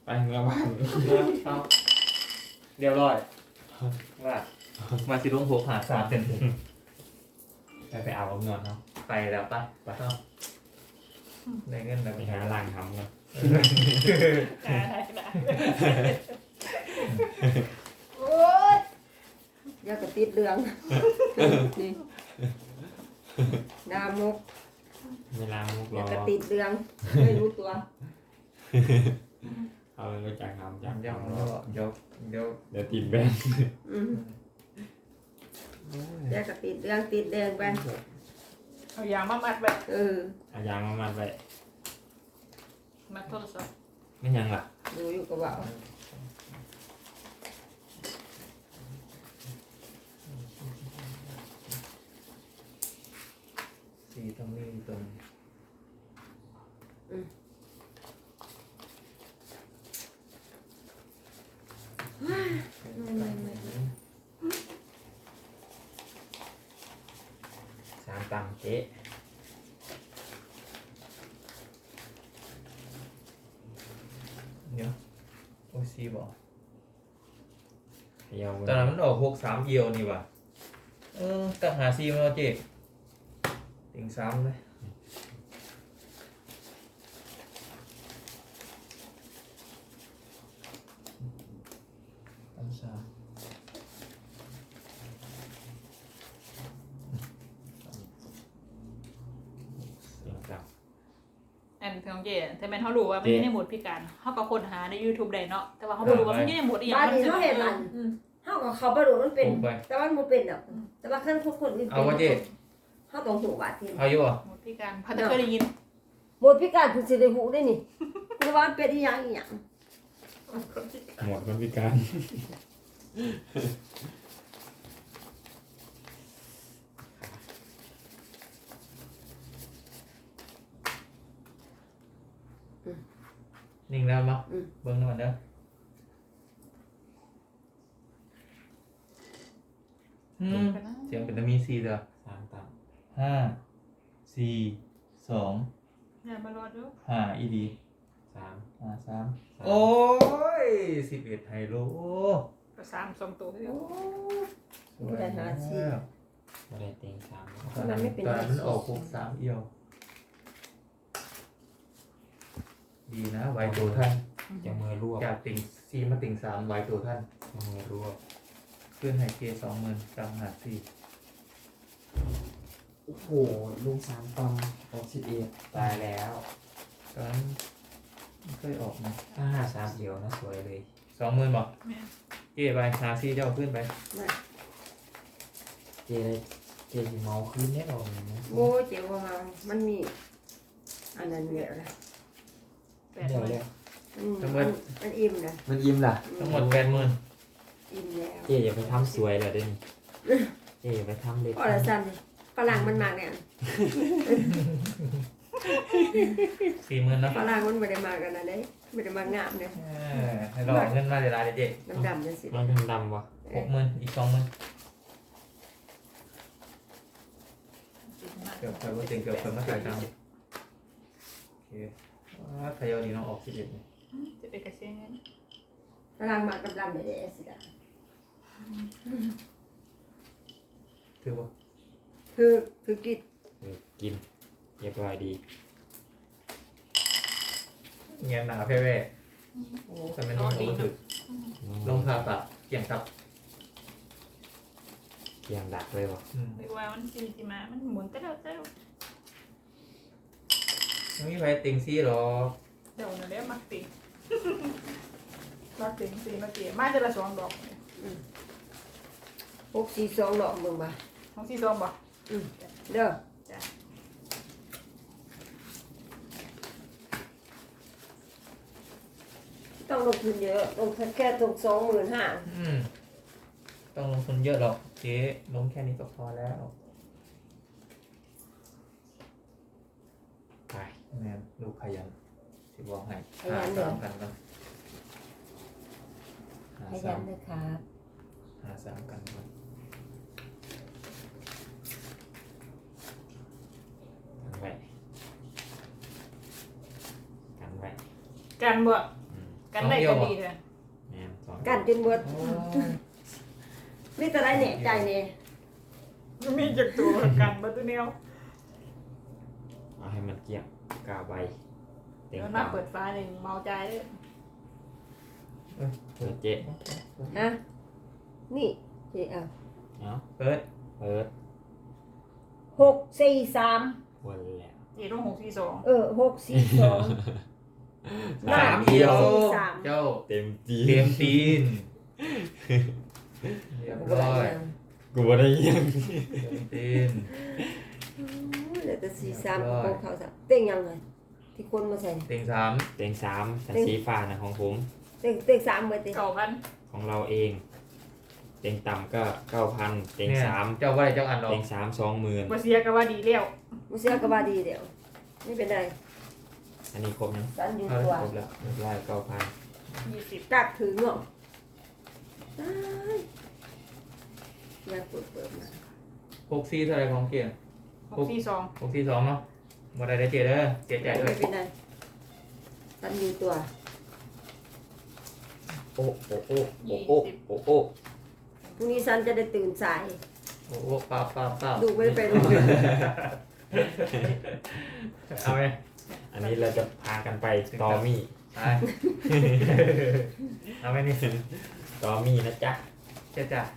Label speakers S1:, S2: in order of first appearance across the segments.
S1: ไปเมื่อวาน
S2: เอาเรียบร้อยว่ามาสิลง6 5 3เต็ม
S1: ไปเอาเงินเนาะ
S2: ไปแล้วป่ะไปได้เงินแล้ว
S1: ไปหาล่างทำเนาะ
S3: ได้
S4: โอ๊ยอยากกระติดเรืองนี่ดามก
S1: เวลามุก
S4: อ
S1: ร
S4: ยา
S1: อก
S4: กระติดเรืองไม่รู้ตัว
S1: เอาไปจากทำจาก
S2: เดี๋ยว
S1: ทำ
S2: เดี๋ยวเดี๋ยว
S1: เดี๋ยวตีนแบน
S4: อืมอยากกระติดเรืองติดแดงไป
S3: เอายางมามัดไป
S4: เออ
S1: เอายางมามัดไป
S3: มัดโทรศัพท์
S1: ไม่ยังล่ะ
S4: ดูอยู่กับเบา
S2: สี่ตรงนี้ตรง
S1: สามตังเจ๊
S2: เดี๋ยวโอ้ยสี่บอก
S1: เขยาว
S2: ตอนนั้นมันออก6 3เอียวนี่ว่ะตั้งหาสี่มาแล้วเจ๊ติ่ง3เลยตั้ง3
S1: เสียงจับ
S3: อันของเจแต่แม่นเขารู้ว่ามันอยู่ในโหมดพิการเขาก็ค้นหาใน YouTube ได้เนาะแต่ว่าเขาบ่รู้ว่ามันอยู่ในโหมดอีหยัง
S4: บ้านนี้เขาเห็นมัน
S3: อืม
S4: เขากับเขาประดูมันเป็น
S2: ถูกไป
S4: แต่ว่ามันเป็นดอกแต่ว่าขั้นคนอื่น
S2: เอาวะเจ๊
S4: เขาต้องหูบาดที
S2: เอาอยู่บ่
S3: โหมดพิการพัดเคยได้ยิน
S4: หมดพิการคุณสิได้หูได้นี่คุณว่ามันเป็นอีหยังอีหยัง
S1: หมดคนพิการ
S2: นิ่งแล้วมั้งเบิ่งหน่อยเด้อเสียงเป็นตะมี4เด้อ
S1: สามตัง
S2: 5 4 2
S3: อย่ามารอดู
S2: 5อีดี
S1: สาม
S2: 3โอ้ย11ไฮโล
S3: ก็3 2ตัวเดียว
S4: โอ้ได้หาชี
S1: ไม่ได้เต็งสาม
S2: ตอนนั้นมันออก6 3เอียวดีนะไวตัวท่าน
S1: จะมือรวบ
S2: จากติ่ง4มาติ่ง3ไวตัวท่าน
S1: จะมือรวบ
S2: ขึ้นไฮเก20,000จังหา4
S1: โอ้โหลุงสามตัง61ตายแล้ว
S2: ตอนนั้นไม่เคยออกนะ
S1: ถ้าห้าสามเดียวนะสวยเลย
S2: 20,000บอก
S3: แม่น
S2: เจ๊ไปหา4เจ้าขึ้นไป
S1: เจเจสิเมาขึ้นแน่นอนนะ
S4: โอ้เจ๋งว่ามันมีอันนั้นเยอะเลย
S3: แปด
S1: เดี๋ยว
S3: เล
S1: เดี๋
S3: ย
S1: ยว
S4: มันอิ่มนะ
S1: มันยิ้มล่ะ
S2: ทั้งหมด 80,000
S4: อิ่มแล้ว
S1: เจอย่าไปทำสวยเลยเด้นี่เจอย่าไปทำเล็ก
S4: ก็ละสั้นเลยฝรั่งมันมากเนี่ย
S2: 40,000เนาะ
S4: ฝรั่งมันไม่ได้มากกันนะเด้ไม่ได้มากงามเนี่ย
S2: ให้รอเงินมาเดี๋ยวลาเจ๊
S4: ดำๆจังสิ
S1: มันเป็นดำวะ
S2: 60,000อีก20,000เกือบเต็งเกือบมาถ่ายตังโอเคขยอดีน้องออก11เนี่ย
S3: จะไปกระเซียงเงิน
S4: ฝรั่งมากดำๆเลยสิจ้ะ
S2: ถือว่า
S4: คือกิน
S1: กินเรียบร้อยดี
S2: เงี้ยหนาแพ้แว่โอ้แต่เป็นน้องก็ถือลงผ่าตัดเกี่ยงตับ
S1: เกียงดักเลยวะ
S3: เรียกว่ามันสิมามันหมุนเต้า
S2: ไม่มีใครติงซี่หรอ
S3: เดี๋ยวนั่นแหละมักติงมักติงสิมาเกี่ยมาจะละ2ดอก
S4: 642ดอกมึงบ่
S3: ของที่2บ่
S4: เด้อ
S3: จ้ะ
S4: ต้องลงทุนเยอะลงแค่ตรง25,000
S2: ต้องลงทุนเยอะหรอกเจ๊ลงแค่นี้ก็พอแล้ว
S1: ไป
S2: แม่ลูกขยันสิบอกให้หา3กันกันหา
S4: ขยันเลยครับ
S2: 3กันกัน
S1: กันไว้กันไว้
S3: กันบ่
S1: อืม
S3: กันได้ก็ดีเลย
S5: แม่นสอง
S4: กันจนเบิด
S2: โอ้
S4: นี่แต่ได้เนี่ยใจเนี่ย
S3: มีจากตัวกันบัตรเนียว
S5: เอาให้มันเกี่ยงกาใบเต็ม
S3: แล้ว
S5: ตา
S3: น่าเปิดฟ้าเลยเมาใจเลย
S5: เปิดเจ๊
S4: ฮะนี่เจ๊เอา
S5: เนาะ
S2: เปิด
S5: เปิด
S4: 643
S5: วนแล้ว
S3: เจ็ดต้อง642
S4: 642
S2: สามเอียว
S4: สาม
S2: เจ้า
S5: เต็มจี
S2: เตรียมตีนเรียบร้อย
S5: กูบ่ได้ยัง
S2: เตรียมตีน
S4: เหลือแต่43กับของเขาซะเต็งยังไงที่คนมาใส่
S2: เต็งสาม
S5: เต็งสามสันสีฟ้านะของผม
S4: เต็ง3เบิดเต็ง
S3: 9,000
S5: ของเราเอง เต็งต่ำก็9,000เต็ง
S2: เนี่ย
S5: สาม
S2: เจ้าว่าอะไรเจ้าอันหรอ
S5: เต็งสาม20,000
S3: บ่เสียก็ว่าดีแล้ว
S4: บ่เสียก็บ่ดีเดี๋ยวไม่เป็นไร
S5: อันนี้ครบยัง
S4: สันอยู่ตัว
S5: ครบแล้วเรียบร้อย9,000
S3: 20
S4: กักถึงเนาะตายอยากเปิดมา
S2: 64เท่าไหรของเกียร์
S3: 642
S2: 62เนาะหมดได้เจ๊เด้อเจ๊ใจด้ว
S4: ไม่
S2: ย
S4: เป็นไรสันอยู่ตัว
S5: โอ้โอ้โอ้โอ้โอ้โอ้โอ้
S4: พรุ่งนี้สันจะได้ตื่นสาย
S2: โอ้โหป้าบป้าบป้าบ
S4: ดูไม่ได้ไปโรงเรียน
S2: เอาไหม
S5: อันนี้เราจะพากันไปตอมี่
S2: ไปเอาไหมนี่
S5: ตอมี่นะจ๊ะ
S2: เจ๊จ้ะ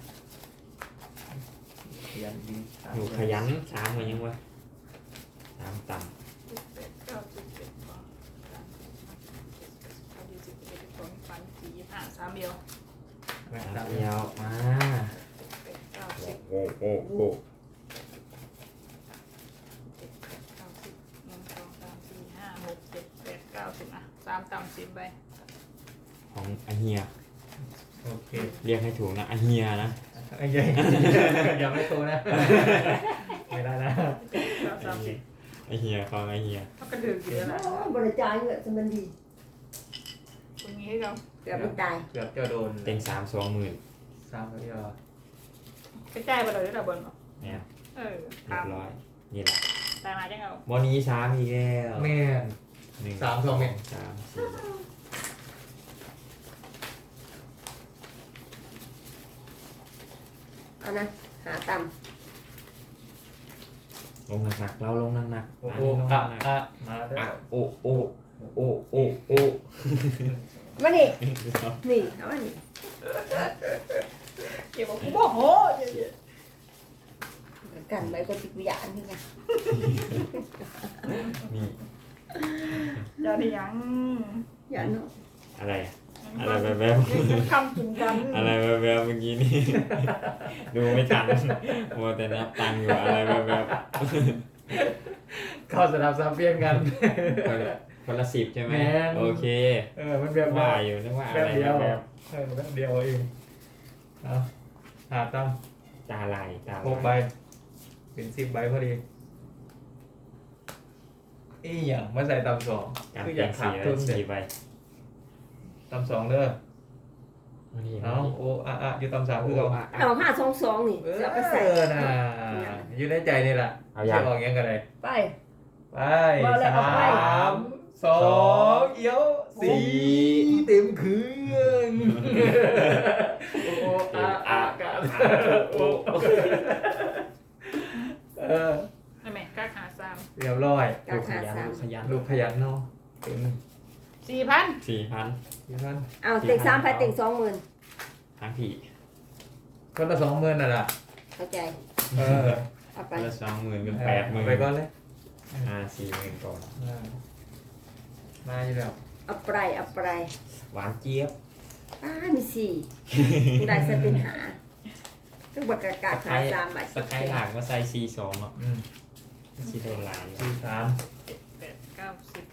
S2: ขยันดี
S5: หนูขยันสามมันยังวะสามต่
S3: 3เดียว
S2: แม่
S5: ำ
S2: ตา
S5: สาม ม
S2: เดี
S5: เดี
S2: ย
S5: ยว วมา
S3: 90
S5: โอ้โอ้โอ้
S3: 3ต่ำ10ใบ
S5: ของอาเฮีย
S2: โอเค
S5: เรียกให้ถูกนะอาเฮียนะ
S2: ไอ้ยัยอย่าไม่โตนะไม่ได้นะ
S3: 30
S5: อาเฮียของอาเฮีย
S3: เขาก็ดื่มอยู่แล้วล่ะ
S4: โอ้บริจาคเงินจะมันดี
S3: ตรงนี้ให้เรา
S4: เกือบไม่ตาย
S2: เกือบจะโดน
S5: เต็ง3 20,000
S2: 3เดียว
S3: กระจายไปเลยได้ระเบิดเนาะ
S5: เนี่ย
S3: เออ
S5: เรียบร้อยนี่แหละ
S3: ตายมาจังเอา
S5: วันนี้ช้ามีกแล้ว
S2: แม่น
S5: หนึ่ง
S2: 3 2เมตร
S5: สามสี่
S4: เอานะหาต่
S5: ลงหนักๆเราลงหนักๆ
S2: โอ้
S5: มา
S2: โห
S5: ลงห
S2: อ่ะ
S5: นัก
S2: อ่ะมาแล้
S5: ๆอ่ะ
S2: ว
S5: โอ้โอ้โอ้โอ้โอ้
S4: ำมานี่นี่เอามานี่
S3: เก็บบอกกูบอกโห
S4: กันไว้ก็ติดวิญญาณนี่ไง
S5: นี่
S3: อย่าได้ยัง
S4: อย่าเนาะ
S5: อะไรอะอะไรแบบ
S3: คำกินกัน
S5: ๆอะไรแบบๆเมื่อกี้นี่ ดูไม่ทันมัวแต่นับตังค์อยู่อะไรแบบ
S2: เข้าสนามซ้ำเปี้ยนกัน
S5: ๆคนละ10ใช่ไหม
S2: แม่น
S5: โอเค
S2: มันแบบ
S5: ว่าอยู่นึกว่าอะไร
S2: เดียว
S5: แบบ
S2: แบบเดียวเองเอาหาตั้ง
S5: ๆตาลายตา
S2: 6ใบ
S5: ลาย
S2: เป็น10ใบพอดีอีหยังมาใส่ตำสอง
S5: การ
S2: คืออ
S5: เปลี่
S2: ยาย ก
S5: น
S2: ขา
S5: สี
S2: ด
S5: แล้
S2: ทุ
S5: วน
S2: เด็
S5: 4ใบ
S2: ตำสองเด้อ
S5: อันนี้
S2: เอาโอ้อะอยู่ตำสามคือเรา
S4: เอา522นี่จะไปใส่
S2: น่ะอยู่ในใจนี่แหละ
S5: เอาอย่าง
S2: จะออกยังกันเลย
S4: ไป
S2: ไป
S4: เอาเลยเอาไป
S2: 3 2เอี้ยว4เต็มเครื่องโอ้อะกันโอ้
S3: นั่นแหละกล้าหาซ้
S2: เรียบร้อย
S4: กา
S5: ลู
S4: ร
S5: กข
S4: หา
S5: ยัน
S4: สาม
S5: ลูกขยัน
S2: ลูกขยันเนาะเต็ม
S3: ำ4,000
S5: 4,000
S2: ยี่พัน
S4: เอาเต็ง3ไปเต็ง20,000
S5: ทั้งที่
S2: คนละ20,000น่ะล่ะ
S4: เข้าใจ
S2: เออ
S4: เอาไป
S5: คนละ20,000เป็น
S2: ไปก่อน
S5: 80,000
S2: เลย
S5: 40,000ก่อน
S2: มาอยู่แล้ว
S4: เอาไปเอาไป
S5: หวานเจี๊ยบ
S4: มี4ได้ซะเป็นหาต้องบักกาศหา3ใบ
S5: สกายหลากมาใส่C2เนาะ
S2: อืม
S5: สิโดนลายอยู่
S2: 43
S3: 7 8 9 10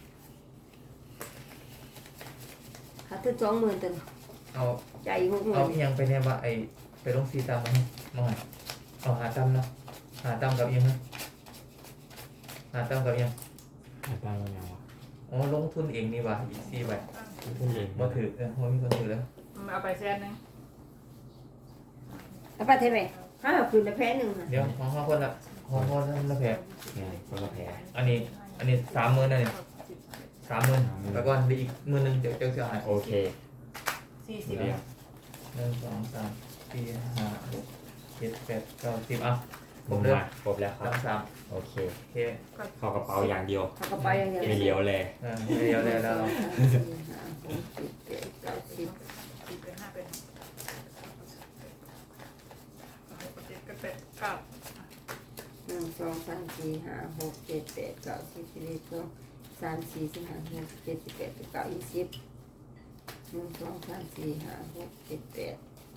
S4: หาถึง20,000ตัว
S2: เอา
S4: ใจอีก
S2: เอาอี
S4: 60,000
S2: หยังไปเนี่ยว่าไอไปลงซีตามมามาเอาหาตำเนาะหาตำกับอีหยังนะหาตำกับอีหยัง
S5: ตั้งยังไงวะ
S2: อ๋อลงทุนเองนี่ว่ะอีก4ใบ
S5: คุณเอง
S2: บ่ถือบ่มีคนถือแล้ว
S3: เอาไป100,000
S4: เอาไปเท่าไหร่ถ้าเอาคืนละแพ้หนึ่งค่ะ
S2: เดี๋ยวของเขาคนละของเขาคนละแผล
S5: เนี่ยคนละแผล
S2: อันนี้30,000นะเนี่ย 30,000แล้วก็ได้อีก10,000เดี๋ยวเสียหาย
S5: โอเค
S3: 40
S5: เดียว
S2: 1 2 3 4 5 6 7 8 9 10อ่ะคร
S5: มุ
S2: บ
S5: ม
S2: เด้อ
S5: มาครบแล้วครับ
S2: 3
S5: โอเค
S2: โอเค
S5: เข้ากระเป๋าอย่างเดียว
S4: เขาก็ไปอย่างเดียว
S5: ไม่เลี้ยวเลย
S2: เดี๋ยวแล้ว
S4: 4 5 6 7 8 9 10
S3: 10เป็น5เป็น6 7 8 9
S4: 1 2 3 4 5 6 7 8 9 10 11 12 3 4 15 16 17 18 19 20 1 2 3 4 5 6 7 8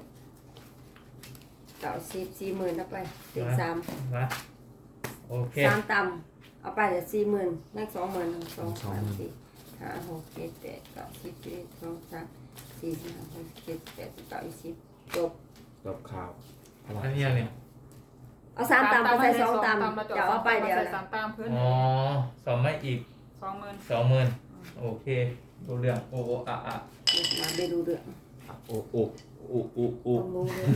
S4: 90 40,000เอาไปติด3
S2: มาโอเค
S4: 3ต่ำเอาไปเดี๋ยว40,000แม่ง20,000 1 2 3 4 5 6 7 8 9 10 11 12 3 4 5 6 7 8 9 20จบ
S5: จบข่าว
S2: อันนี้ยังเนี่ย
S4: เอา3ต่ำไปใส่2ต่ำเดี๋ยวเอาไปเดี๋ยว
S3: ใส่3ตามเพื่อน
S2: อ๋อสอบไม่อีก
S3: 20,000
S2: 20,000โอเคดูเรื่องโอ้อ่ะ
S4: มาไปดูเรื่อง
S5: อุอุอุอุอุ
S4: ต้องรู้เรื่อง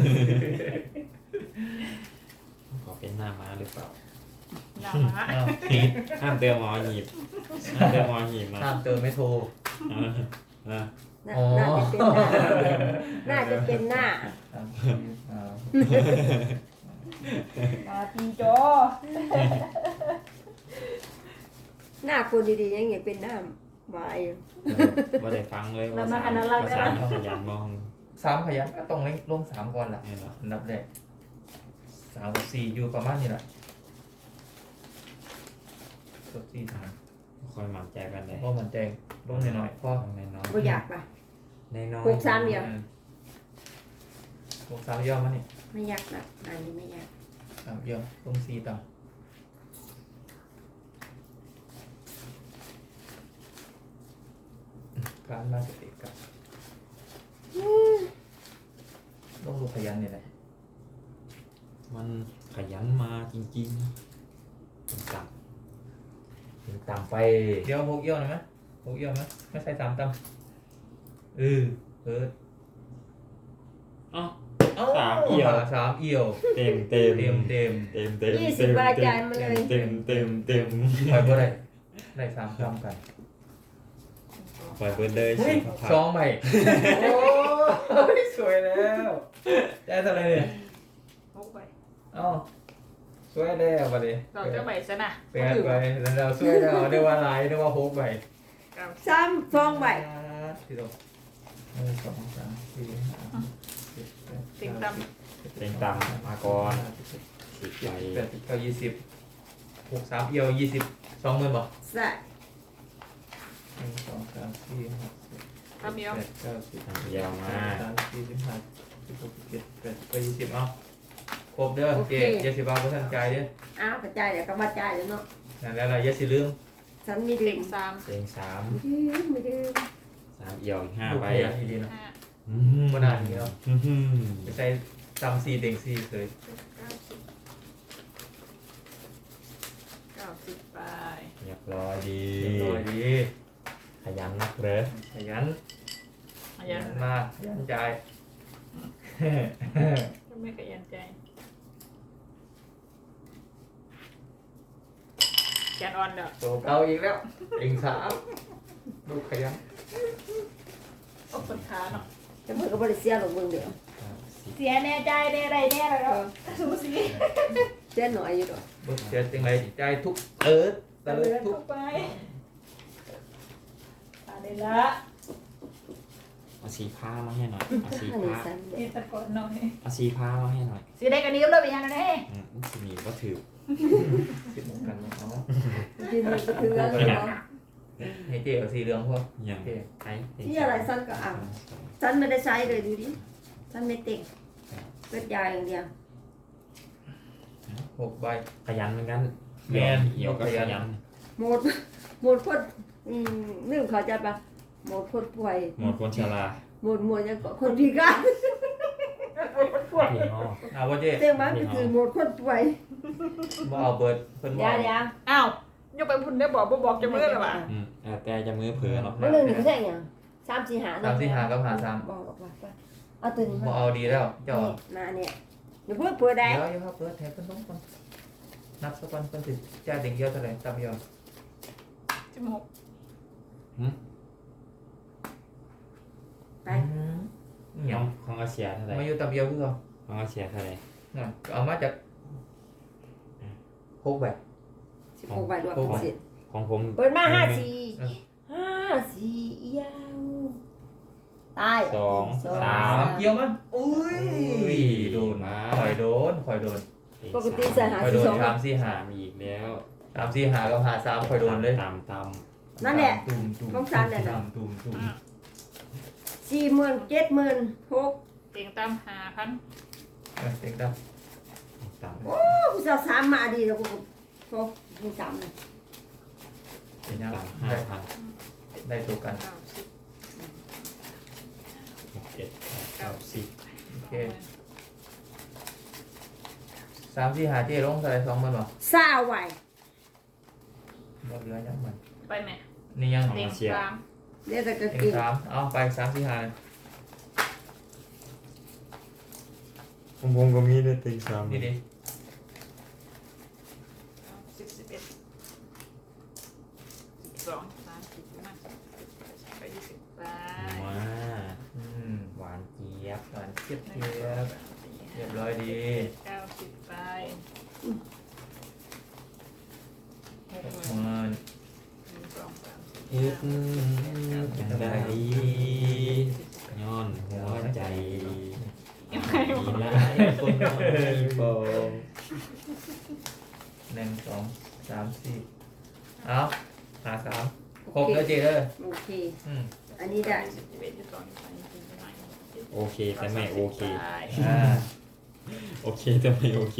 S5: ขอเป็นหน้าม้าหรือเปล่า
S3: หนามา
S2: อ้าวติด
S5: ห้ามเติมหมอหีบห้ามเติมหมอหีบนะ
S2: ห้ามเติมไม่โทร
S5: อ่า
S4: น่าจะเป็นหน้า
S3: มาปีโจ
S4: หน้าคนดีๆยังไงเป็นหน้าหวาย
S5: ว่าได้ฟังเลยว่า
S3: มา
S5: สา
S3: อัน
S5: ม
S3: นั้นเรา
S5: ภา
S3: ได้
S5: ษา
S3: ละ
S5: ขยันมอง
S2: 3ขยันก็ต้องลง3ก่อนล่ะ
S5: เนี่ยเนาะ
S2: อันดับแรก3กับ4อยู่ประมาณนี้แหละกับ4 3
S5: คอยหมั่นใจกันเลย
S2: เพราะมันแจงลงหน่อยๆพอ
S5: ต้องในน้อย
S4: ก็อยากปะ
S5: ในน้อย
S4: หกสามเดียว
S2: ลง3ย่อมานี่
S4: ไม่อยากนะอันนี้ไม่อยาก
S2: 3ย่อลง4ต่ำการมาสติกับต้องดูขยันนี่แหละ
S5: มันขยันมาจริงๆเป็นจับ
S2: ถึงต่ำไปเดี๋ยว6ย่อหน่อยไหม6ย่อไหมไม่ใช่3ต่ำเปิด
S5: อ๋อ
S2: เอ้า
S5: 3เอี่ยว
S2: 3เอี่ยว
S5: เต็มเต็ม
S2: เต็ม
S5: เต็ม
S4: 20 บาทจ่ายมาเลย
S5: เต็มเต็มเต็ม
S2: ไปบ่ได้3ต่ำกัน
S5: ปล่อยเบิร์ดเลย
S2: เฮ้ย
S5: สิ
S2: สองใบโอ้ยสวยแล้วได้เท่าไหรเนี่ย
S3: 6ใบ
S2: เอ้าสวยแล้วบัดนี้
S3: เราจะใบซะนะ
S2: แปดใบแล้วเราสวยแล้วเรียกว่าหลายเรียกว่า6ใบ
S4: ซ้ำ2ใบ
S2: ที่ตรง1 2 3 4 5 6 7 8 9
S5: เต็งตำมาก่อนสิบใบ
S2: 10 11 12 20 6 3เอี่ยว20 20,000บ่
S4: ใส่
S2: 1 2 3 4 5
S3: ทำเดียว
S2: 6 7 8 9 10
S5: ยาวมา
S2: 3 4 15 16 17 18 20เอาครบเด้อเจ๊อย่าสิบาทบ่ทันใจเด้อ
S4: อ้าวกระจายเดี๋ยวก็มาจ่ายแล้วเนาะ
S2: นั่นแล้วล่ะอย่าสิลืม
S4: ฉันมี
S3: เต็
S4: เด็ก
S3: ง3
S5: เต็งสาม
S4: ไม่ดื้อ
S5: เอี่ยวอีก5
S2: ลูก
S5: ใบ
S2: ขยันดีๆเนาะ
S3: 5
S2: บ่นานนี้เนาะ ไปใส่จำ4เต็ง4เลย
S3: 90ไป
S5: เรียบร้อยดี
S2: เรียบร้อยดี
S5: ขยันนักเลย
S2: ขยัน
S3: ขยัน
S2: มากขยันจ่าย
S3: ก็ไม่ขยันใจแกนออนเด้อ
S2: โตเก่าอีกแล้วเต็ง3ลูกขยัน
S3: ตบต้นขาเนาะ
S4: จะเพิ่งก็บริเสียหรอกมึงเดี๋ยว
S3: เสียแน่ใจแน่ไรแน่แล้วสูสี
S4: เสียหน่อยอยู่ดอก
S2: บ่เสียจังไดจ่ายทุกตะเลิดทุก
S3: ไปตาได้ละ
S5: เอาสีผ้ามาให้หน่อยเอาสี
S4: อันนี้
S5: ผ้า
S4: สั้นเด็
S3: นี่
S4: ก
S3: ตะกอนหน่อย
S5: เอาสีผ้ามาให้หน่อย
S3: สีได้กันนี้ก็เลยไปยังไง
S5: สีนี้ก็ถือ
S2: สิเหมือนกันเนาะ
S4: ยืนมือก็ถือแล้วเนาะ
S2: ให้เจ๊เอาสีเหลืองพวก
S5: อย่างไอ้
S4: ที่อะไรสั้นก็อ่ะสั้นไม่ได้ใช้เลยดูดิสั้นไม่เต็งเปิดยาอย่างเดียว
S2: 6ใบ
S5: ขยันเหมือนกัน
S2: แม่น
S5: เอี่ยวก็ขยัน
S4: หมดคนนึกเขาใจปะหมดคนป่วย
S5: หมดคนชรา
S4: หมดยังก็คนพิการ
S5: พี่ห้อ
S2: เอาว่าเจ๊
S4: เต็มมันก็คือหมดคนป่วย
S2: บ่เอาเบิดเพิ่นบ่
S4: ยา
S2: เอา
S4: ยา
S3: อ้าวยกไปพุ่นได้บอกจะมือหรือเปล่า
S5: แต่จะมือเผลอหรอก
S4: เมื่อหนึ่งนี่เขาใช่ยัง3 4 5
S2: 3 4 5กับ5 3
S4: บอกว่าเอาตัวนี้
S2: บ่
S4: มา
S2: เอาดีแล้วเจ้า
S4: มาเนี่ยเดี๋ยวเพื่อเพื่อได้
S2: เดี๋ยวครับเปิดแทนเพิ่นต้องก่อนนับสักก่อนเพิ่นสิจ่ายเด็กเดียวเท่าไหร่ตามยอด
S3: 16
S4: ไป
S2: เนี่ย
S5: ของอาเซียเท่าไหร่
S2: มาอยู่ตับเดียวคือเขา
S5: ของอาเซียเท่าไหร่
S2: น่ะเอามาจาก6ใบ
S4: 16ใบรวมเป็นสิบ
S5: ของผม
S4: เปิดมา
S2: เออ
S4: 54เอียวตาย
S5: สอง
S4: สอง
S5: สาม
S2: เกี่ยวมั้ยอุ้ยโดน
S5: มา
S2: ข่อยโดน
S4: ปกติจะหา
S2: ข่อย
S4: ที่
S2: โด
S4: ส
S2: น
S4: อง
S2: 3 4
S5: สามอีกแล้ว
S2: 5 3 4 5กับ5 3ข่อยโดนเลย
S5: ตาม
S4: นั่นแหละ
S2: ตุ่มตุ่ม
S4: ต้องสามเนี่ยนะ
S2: ตุ่มตุ่ม
S4: 40,000 70,000 6
S3: เต็งตาม5,000
S2: เต็งตั้ม
S5: ตาม
S4: โอ้กูจะ3มาดีแล้วกูโอ้กู3เลย
S2: เป็นยัง
S5: ตาม
S2: ได้
S5: 5,000
S2: ได้ตัวกัน
S5: หกเจ็ดแปดเก้าสิบ
S2: โอเค3 4 5เจ๊ลงเท่าไหร่2,000บ่
S4: ซาไว้
S2: บ่เหลือยังมัน
S3: ไปแม่
S2: นี่ยัง
S3: เต็งสาม
S4: เดี๋ยวแต่ก็
S2: เต็ง
S4: กิน
S2: 3เอาไป3 4 5
S5: ของผมก็มีได้ติงสาม
S2: นี่ดิ
S3: 11 12 13 14 15 16 20ไป
S5: มา
S2: อืม
S5: หวานเจี๊ยบ
S2: หวานเจี๊ยบเจี๊ยบเรียบร้อยดี
S3: 90ไป
S2: มัน
S3: 1 2 3
S5: เอ็ดจังได้ย้อนหัวใจดีนะคนน้อยโปง
S2: 1 2 3 4เอา5 3ครบแล้วเจ๊เด้อ
S4: โอเค
S2: อืม
S4: อันนี้ได้
S5: โอเคแต่ไม่โอเค
S2: อ่า
S5: โอเคแต่ไม่โอเค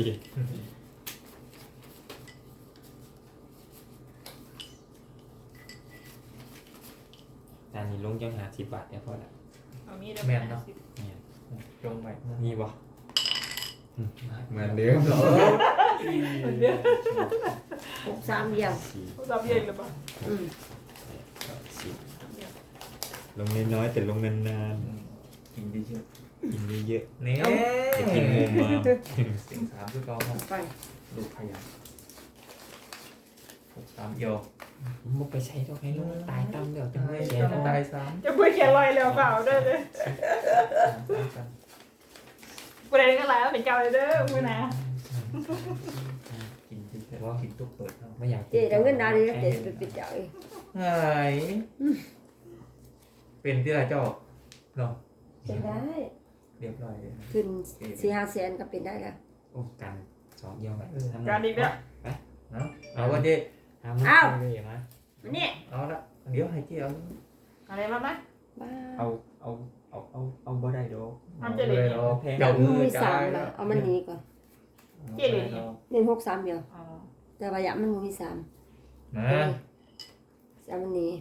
S5: ตอนนี้ลงจังหา10 บาทเนี่ยพอละ
S3: เอามีด
S2: แม่นเนาะ
S5: เนี่ย
S2: จงไป
S5: มีบ่เหมือนเดิม
S4: 63เดียว
S5: สี่
S3: รับเย็นหรือเปล่า
S4: อืม
S5: สิบลงน้อยๆแต่ลงนาน
S2: กินดีเชียว
S5: ๆกินเยอะ
S2: นี่
S5: ๆจะกินมุมมา
S2: เสียง3คือเก่าครับ
S4: ไป
S2: ลูกขยัน6 3เอียว
S5: มุกไปใช้ดอกให้ลงตายตั้มเดี๋ยวจะไม่
S2: เสี
S5: เสี
S2: ย
S5: ย
S2: งตายซ้
S3: จะพูดเขียนลอยเร็วเปล่าเด้อเลย
S2: ำ
S3: ประเด็นก็แล้วเป็นเจ้าเลยเด้อมือนะ
S2: กินดีเชียวกินตุ๊กเปิดเนาะ
S5: ไม่อยาก
S4: เจ๊เอาเงินดาวนี้เจ๊จะไปปิดเจ้าเอง
S2: ไงเป็นที่ไรเจ้าเนาะ
S4: เป็นได้
S2: เรียบร้อยเลย
S4: ขึ้น4-5แสนก็เป็นได้แล้ว
S5: โอ้กันสองเยี่ยวไป
S3: การดีเนี่ย
S2: เนาะเอาว่าเจ๊
S5: ทำเลยนะ
S4: อันนี้
S2: เอาละเดี๋ยวให้เจ๊เอา
S3: อะไรมาไหม
S4: บ้า
S5: เอาบ่ได้ดอก
S3: มันจะเหลือ
S2: เอา
S5: แพง
S2: เจ้า
S4: มัน
S2: มือ
S4: มี
S2: จ่า
S4: สาม
S2: ย
S4: นะเอามันหนีก่อน
S3: เจ๊เหลือ
S4: เล่น63เดียว
S3: อ๋อ
S4: แต่ว่าอย่ามันมี3
S2: นะ
S4: เอามันหนี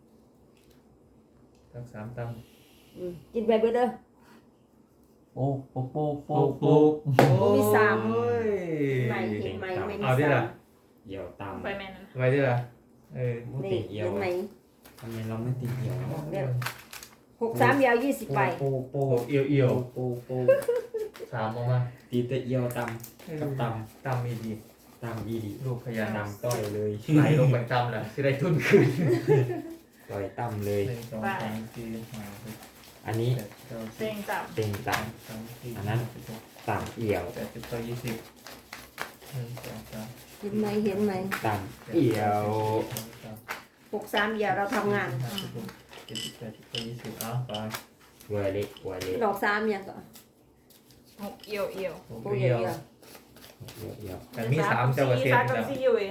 S2: ทั้ง3ตั้ง
S4: กินไปเบิดเด้อ
S1: โอ้โป๊กโป๊กโป๊
S2: ปุ๊
S1: ก
S2: ก
S1: โป๊
S2: ปุ๊
S1: ก
S2: ก
S4: มีสาม
S2: โอ้ย
S4: ไม่เห็นไหมไม่มี
S2: เอาดิล่ะ
S5: เยี่ยวตาม
S3: ไปแม่นั่น
S2: ไว้ดิล่ะเออ
S5: มุ
S4: นี่
S5: ติเยี่ยว
S4: เห็นไหม
S5: ทำไมเราไม่ติดเยี่ยว
S4: 63เดียว20ใบ
S5: โป๊กโป๊
S2: โอ้
S5: ก
S2: เอียวเอียว
S5: โป๊กโป๊ก
S2: สามออกมา
S5: ตีแต่เยี่ยวตามกับต
S2: ตามมีดี
S5: ำตามอีดี
S2: ลูกขยัน
S5: ตามต้อยเลย
S2: ไหลลงไปตามแหละจะได้ทุนคืน
S5: ต่อยต่ำเลย
S2: 1 2 3 4 5 6
S5: อันนี้
S2: 7 9
S3: เต็งจับ
S5: เต็งต่
S2: 3 4
S5: อันนั้น ต่ำเอี่ยว
S2: 8 9 20 1 2 3
S4: เห็นไหมเห็นไหม
S5: ต่ำเอี่ยว
S4: 63เดียวเราทำงาน
S2: 7 8 9 20เอาไป
S5: เวอร์เล็กเวอร์เล็ก
S4: ดอก3อย่างก็
S3: 6เอียวเอียว
S2: โอ้
S4: โอ้
S2: ย
S4: ย
S2: เอียว
S4: เดียว
S5: เยี่ยวเยี่ยว
S2: แต่มี3เจ้าก็เสีย
S3: 3
S2: แล้
S3: กับ
S2: ว
S3: 4อยู่เอง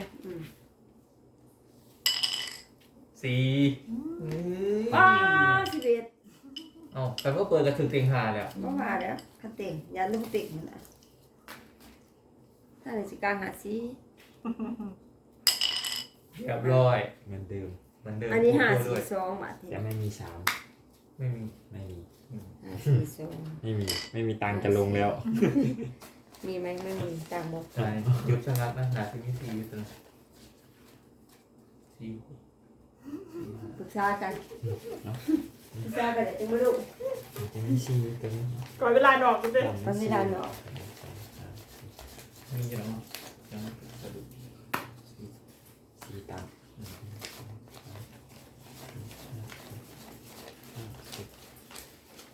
S2: 4
S4: อ้า11
S2: อ๋อแต่ก็เปิดกระถึงเต็งหาแล้ว
S4: ก็ว่าแล้วคันเต่งอย่าลืมติ่งมันนะถ้าในสิกลางหาซี
S2: เรียบร้อย
S5: เหมือนเดิม
S2: เหมือนเดิม
S4: อันนี้
S2: ด้วย
S4: 542บาท
S5: จะไม่มีสาม
S2: ไม่มี
S5: ไม่มี
S4: 542
S5: ไม่มีตังค์จะลงแล้ว
S4: มีไหมไม่มีต่างหมด
S2: ใช่หยุดชะงักนะหนาที่มี4อยู่ตัว4
S4: ปรึกษากันปรึกษากันเดี๋ยวจะมาดู
S5: จะมีซีตัวนี้
S3: ก่อนเวลาดอกกันเลย
S4: มันไม่ได้เนาะ
S2: มีอย่างมั้งยังไม่กระดูก
S5: ซีต่ำ
S2: 5 6 7 8 9 10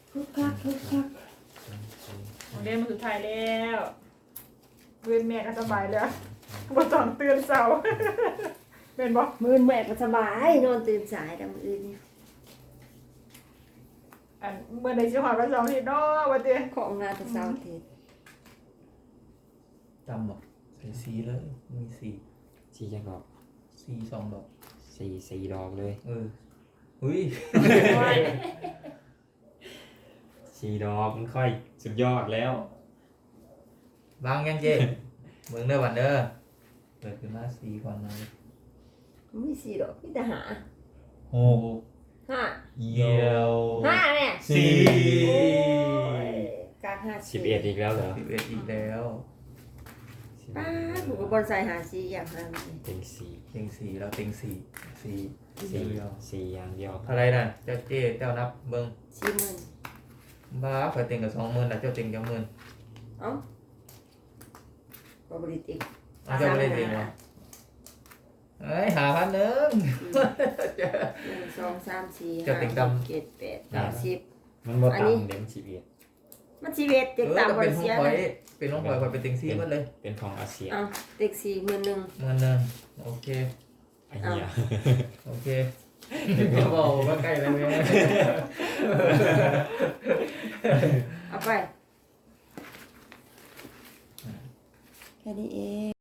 S4: คึกคักคึกคัก
S3: ของเล่นมาสุดท้ายแล้วเว้นแม่ก็สบายแล้วบ่ต้องตื่นเช้าเป็นบ่
S4: มื้อแม่ก็สบายนอนตื่นสายแต่มื้ออื่นนี่
S3: อันเมื่อใดสิฮอดวันเสาร์อาทิตย์เนาะว่าติ
S4: ของงานแต่เช้าอาทิตย์
S2: จำบ่ใส่สีเลยมีสี
S5: สี่จังดอก
S2: สีสองดอก
S5: สี่ดอกเลย
S2: อุ้ย
S5: สี่ดอกมันค่อยสุดยอดแล้ว
S2: บางยังเจ๊เบิ่งเด้อวันเด้อเปิดขึ้นมาสีก่อนนะ
S4: มีสี่ดอกมีแต่หา
S2: หก
S4: ห้า
S2: เยี่ยว
S4: ห้าเนี่ย
S2: สี่
S4: โอ้ยกลางห้า
S5: 11อีกแล้วเหรอ
S2: 11อีกแล้ว
S4: ป้าถูกกับบอลใส่หาสี่อย่างนั้น
S5: เต็งสี่
S2: เต็งสี่แล้วเต็งสี่สี่
S5: สี่
S2: เดียว
S5: สี่อย่างเดียว
S2: เท่าไรน่ะเจ้าเจ๊เจ้านับเบิ่ง
S4: 40,000
S2: บ้าข่อยเต็งกับ20,000น่ะเจ้าเต็งจัง10,000
S4: เอ้าบริติก
S2: เอาเจ้าบ่ได้เต็งเหรอเอ้ยหาพันหนึ่ง
S4: 1 2 3 4
S2: จะติด
S4: 5
S2: ตาม
S4: 6 7 8 9 10
S5: มันบ่
S4: อันนี้
S5: ต่ำเด่น11
S4: มันชีวิตเต็กตามบ
S2: เป็
S4: ริ
S2: นขอ
S4: เสี
S2: ง
S4: ย
S2: ข่อยเป็นของข่อยข่อยเป็นเต็งสี่หมดเลย
S5: เป็นของอาเซีย
S4: เอาเต็ก4 10,000
S2: เงินหนึงโอเค
S5: ไอ้เหี้ย
S2: โอเคก็บอกว่าใกล้แล้วเนี่ย
S4: เอาไปแค่นี้เอง